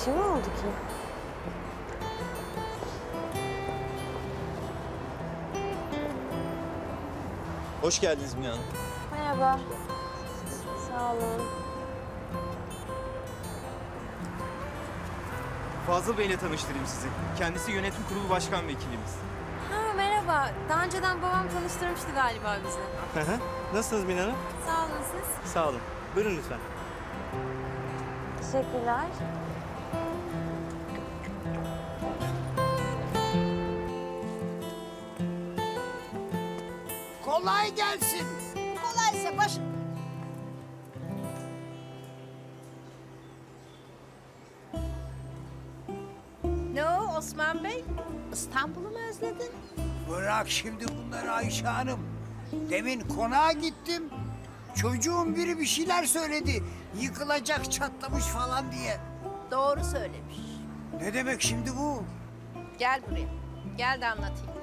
şey mi oldu ki? Hoş geldiniz Mine Hanım. Merhaba. Sağ olun. Fazıl Bey'le tanıştırayım sizi. Kendisi yönetim kurulu başkan vekilimiz. Ha merhaba. Daha önceden babam tanıştırmıştı galiba bizi. Nasılsınız Mine Hanım? Sağ olun siz. Sağ olun. Buyurun lütfen. Teşekkürler. Kolay gelsin. Kolaysa baş... Ne o Osman Bey? İstanbul'u mu özledin? Bırak şimdi bunları Ayşe Hanım. Demin konağa gittim. Çocuğun biri bir şeyler söyledi. Yıkılacak, çatlamış falan diye. Doğru söylemiş. Ne demek şimdi bu? Gel buraya. Gel de anlatayım.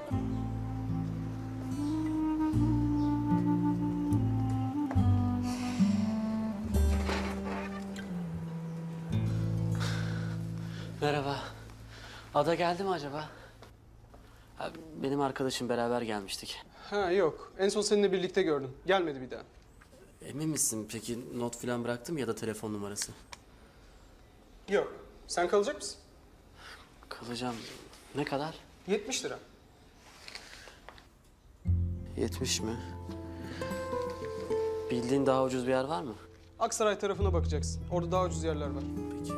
Merhaba. Ada geldi mi acaba? Ha, benim arkadaşım beraber gelmiştik. Ha yok. En son seninle birlikte gördüm. Gelmedi bir daha. Emin misin peki not falan bıraktım ya da telefon numarası? Yok. Sen kalacak mısın? Kalacağım. Ne kadar? 70 lira. 70 mi? Bildiğin daha ucuz bir yer var mı? Aksaray tarafına bakacaksın. Orada daha ucuz yerler var. Peki.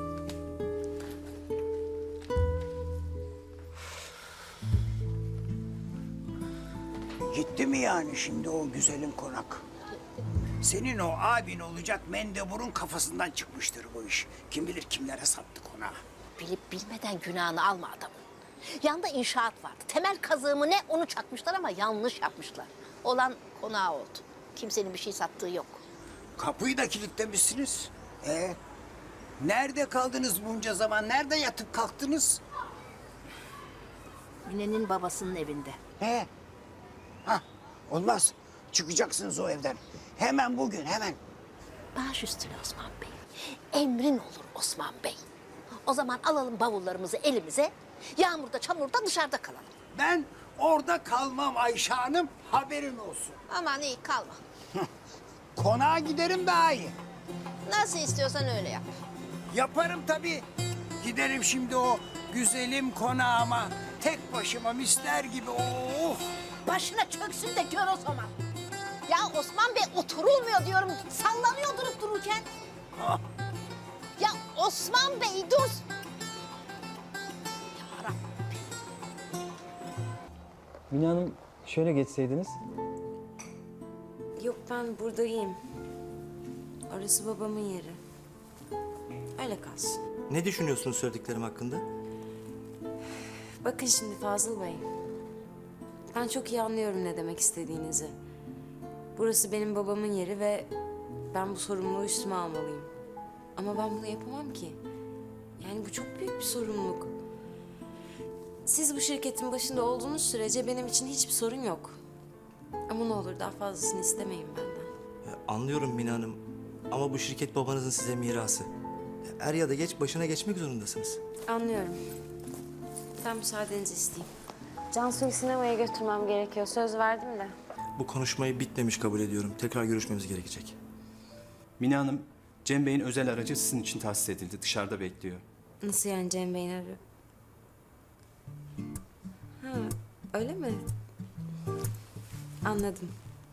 Gitti mi yani şimdi o güzelim konak? Senin o abin olacak mendeburun kafasından çıkmıştır bu iş. Kim bilir kimlere sattı konağı. Bilip bilmeden günahını alma adamın. Yanında inşaat vardı. Temel kazığı ne onu çakmışlar ama yanlış yapmışlar. Olan konağı oldu. Kimsenin bir şey sattığı yok. Kapıyı da kilitlemişsiniz. Nerede kaldınız bunca zaman? Nerede yatıp kalktınız? Mine'nin babasının evinde. Hah, olmaz. Çıkacaksınız o evden. Hemen bugün, hemen. Baş üstüne Osman Bey. Emrin olur Osman Bey. O zaman alalım bavullarımızı elimize. Yağmurda çamurda dışarıda kalalım. Ben orada kalmam Ayşe Hanım, haberin olsun. Aman iyi kalma. Konağa giderim daha iyi. Nasıl istiyorsan öyle yap. Yaparım tabii. Giderim şimdi o güzelim konağıma. Tek başıma misler gibi. Oh! Başına çöksün de gör o zaman. Ya Osman Bey oturulmuyor diyorum. Sallanıyor durup dururken. Ah. Ya Osman Bey dur. Yarabbim. Mine Hanım şöyle geçseydiniz. Yok ben buradayım. Orası babamın yeri. Öyle kalsın. Ne düşünüyorsunuz söylediklerim hakkında? Bakın şimdi Fazıl Bey. Ben çok iyi anlıyorum ne demek istediğinizi. Burası benim babamın yeri ve ben bu sorumluluğu üstüme almalıyım. Ama ben bunu yapamam ki. Yani bu çok büyük bir sorumluluk. Siz bu şirketin başında olduğunuz sürece benim için hiçbir sorun yok. Ama ne olur daha fazlasını istemeyin benden. Anlıyorum Mine Hanım. Ama bu şirket babanızın size mirası. Er ya da geç başına geçmek zorundasınız. Anlıyorum. Ben müsaadenizi isteyeyim. Cansu'yu sinemaya götürmem gerekiyor. Söz verdim de. Bu konuşmayı bitmemiş kabul ediyorum. Tekrar görüşmemiz gerekecek. Mine Hanım, Cem Bey'in özel aracı sizin için tahsis edildi. Dışarıda bekliyor. Nasıl yani Cem Bey'in arıyor? Ha, öyle mi? Anladım.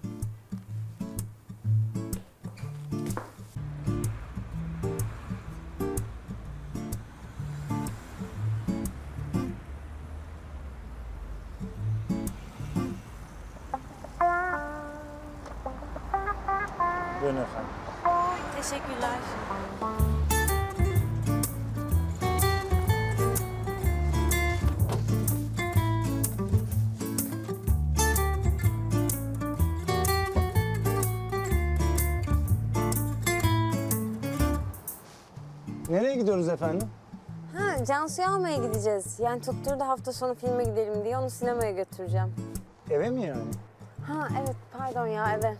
Buyurun efendim. Teşekkürler. Nereye gidiyoruz efendim? Ha, Cansu'yu almaya gideceğiz. Yani tutturdu hafta sonu filme gidelim diye onu sinemaya götüreceğim. Eve mi yani? Ha evet pardon ya eve.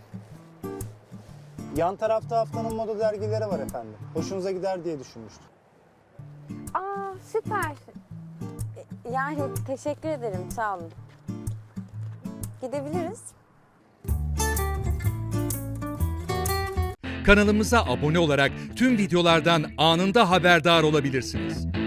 Yan tarafta haftanın moda dergileri var efendim. Hoşunuza gider diye düşünmüştüm. Aa süper. Yani teşekkür ederim, sağ olun. Gidebiliriz. Kanalımıza abone olarak tüm videolardan anında haberdar olabilirsiniz.